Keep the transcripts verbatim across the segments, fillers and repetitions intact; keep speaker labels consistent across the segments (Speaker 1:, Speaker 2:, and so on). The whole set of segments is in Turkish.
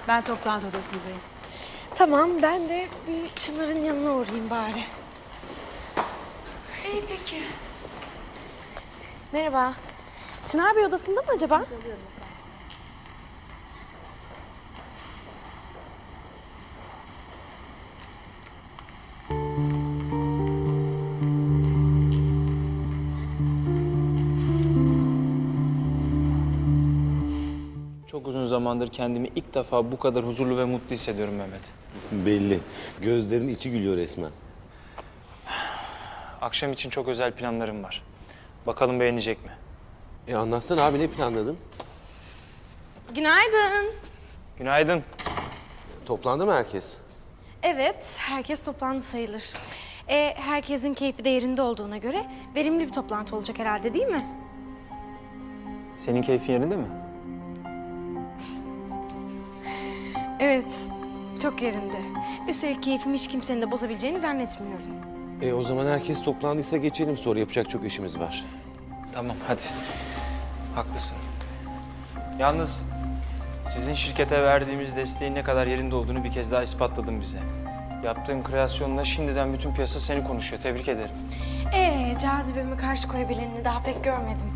Speaker 1: Ben toplantı odasındayım.
Speaker 2: Tamam, ben de bir Çınar'ın yanına uğrayayım bari.
Speaker 1: İyi peki.
Speaker 2: Merhaba. Çınar Bey odasında mı acaba?
Speaker 3: Çok uzun zamandır kendimi ilk defa bu kadar huzurlu ve mutlu hissediyorum Mehmet.
Speaker 4: Belli. Gözlerin içi gülüyor resmen.
Speaker 3: Akşam için çok özel planlarım var. Bakalım beğenecek mi?
Speaker 4: E anlatsana abi, ne planladın?
Speaker 2: Günaydın.
Speaker 3: Günaydın.
Speaker 4: Toplandı mı herkes?
Speaker 2: Evet, herkes toplandı sayılır. E, herkesin keyfi de yerinde olduğuna göre verimli bir toplantı olacak herhalde, değil mi?
Speaker 3: Senin keyfin yerinde mi?
Speaker 2: Evet, çok yerinde. Üstelik keyfimi hiç kimsenin de bozabileceğini zannetmiyorum.
Speaker 4: E o zaman herkes toplandıysa geçelim, sonra yapacak çok işimiz var.
Speaker 3: Tamam hadi. Haklısın. Yalnız sizin şirkete verdiğimiz desteğin ne kadar yerinde olduğunu bir kez daha ispatladın bize. Yaptığın kreasyonla şimdiden bütün piyasa seni konuşuyor. Tebrik ederim.
Speaker 2: Ee, cazibeme karşı koyabilenini daha pek görmedim.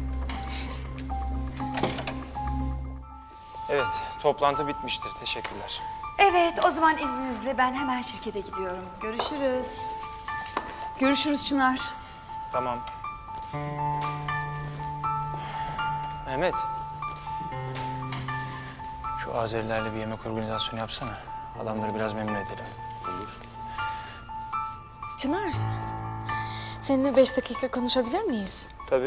Speaker 3: Evet, toplantı bitmiştir. Teşekkürler.
Speaker 1: Evet, o zaman izninizle ben hemen şirkete gidiyorum. Görüşürüz. Görüşürüz Çınar.
Speaker 3: Tamam. Mehmet. Şu Azerilerle bir yemek organizasyonu yapsana. Adamları biraz memnun edelim.
Speaker 4: Olur.
Speaker 2: Çınar, seninle beş dakika konuşabilir miyiz?
Speaker 3: Tabii.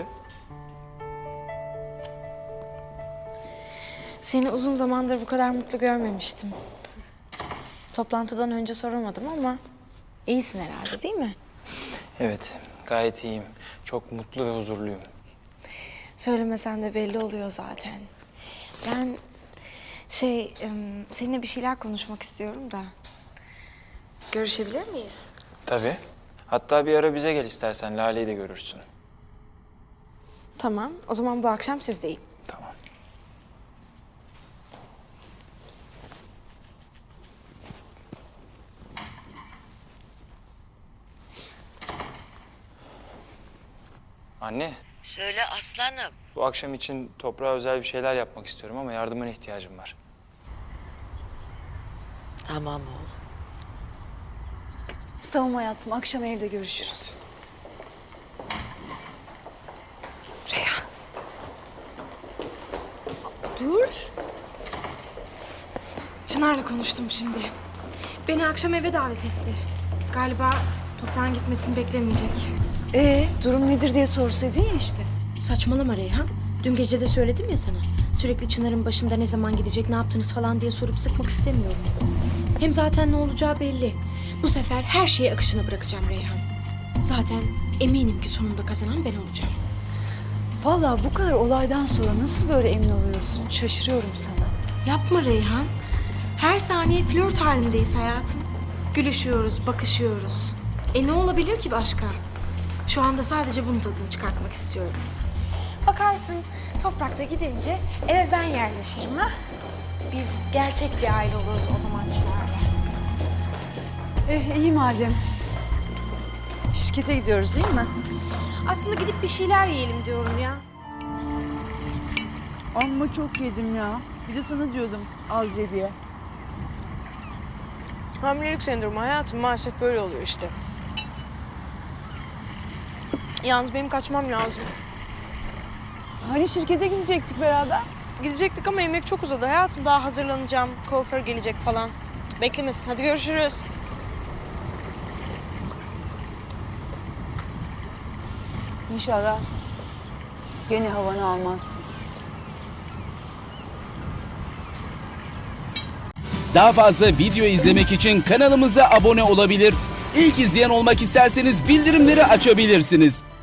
Speaker 2: Seni uzun zamandır bu kadar mutlu görmemiştim. Toplantıdan önce soramadım ama iyisin herhalde, değil mi?
Speaker 3: Evet, gayet iyiyim. Çok mutlu ve huzurluyum.
Speaker 2: Söylemesen de belli oluyor zaten. Ben şey, em, seninle bir şeyler konuşmak istiyorum da. Görüşebilir miyiz?
Speaker 3: Tabii. Hatta bir ara bize gel istersen. Lale'yi de görürsün.
Speaker 2: Tamam, o zaman bu akşam sizdeyim.
Speaker 3: Tamam. Anne,
Speaker 5: Söyle aslanım.
Speaker 3: bu akşam için toprağa özel bir şeyler yapmak istiyorum ama yardımına ihtiyacım var.
Speaker 5: Tamam oğlum.
Speaker 1: Tamam hayatım, akşam evde görüşürüz. Reyhan.
Speaker 2: Dur. Çınar'la konuştum şimdi. Beni akşam eve davet etti. Galiba toprağın gitmesini beklemeyecek.
Speaker 1: Ee, durum nedir diye sorsaydın ya işte.
Speaker 2: Saçmalama Reyhan. Dün gece de söyledim ya sana. Sürekli Çınar'ın başında ne zaman gidecek, ne yaptınız falan diye sorup sıkmak istemiyorum. Hem zaten ne olacağı belli. Bu sefer her şeyi akışına bırakacağım Reyhan. Zaten eminim ki sonunda kazanan ben olacağım.
Speaker 1: Vallahi bu kadar olaydan sonra nasıl böyle emin oluyorsun? Şaşırıyorum sana.
Speaker 2: Yapma Reyhan. Her saniye flört halindeyiz hayatım. Gülüşüyoruz, bakışıyoruz. E ne olabilir ki başka? Şu anda sadece bunun tadını çıkartmak istiyorum. Bakarsın toprakta gidince eve ben yerleşirim ha. Biz gerçek bir aile oluruz o zaman Çınar'la.
Speaker 1: Eh iyi madem. Şirkete gidiyoruz değil mi?
Speaker 2: Aslında gidip bir şeyler yiyelim diyorum ya.
Speaker 6: Amma çok yedim ya. Bir de sana diyordum az ye diye.
Speaker 2: Hamilelik sendromu hayatım maalesef böyle oluyor işte. Yalnız benim kaçmam lazım.
Speaker 6: Hani şirkete gidecektik beraber?
Speaker 2: Gidecektik ama yemek çok uzadı hayatım. Daha hazırlanacağım. Kuaför gelecek falan. Beklemesin. Hadi görüşürüz.
Speaker 6: İnşallah gene havanı almazsın.
Speaker 7: Daha fazla video izlemek için kanalımıza abone olabilir. İlk izleyen olmak isterseniz bildirimleri açabilirsiniz.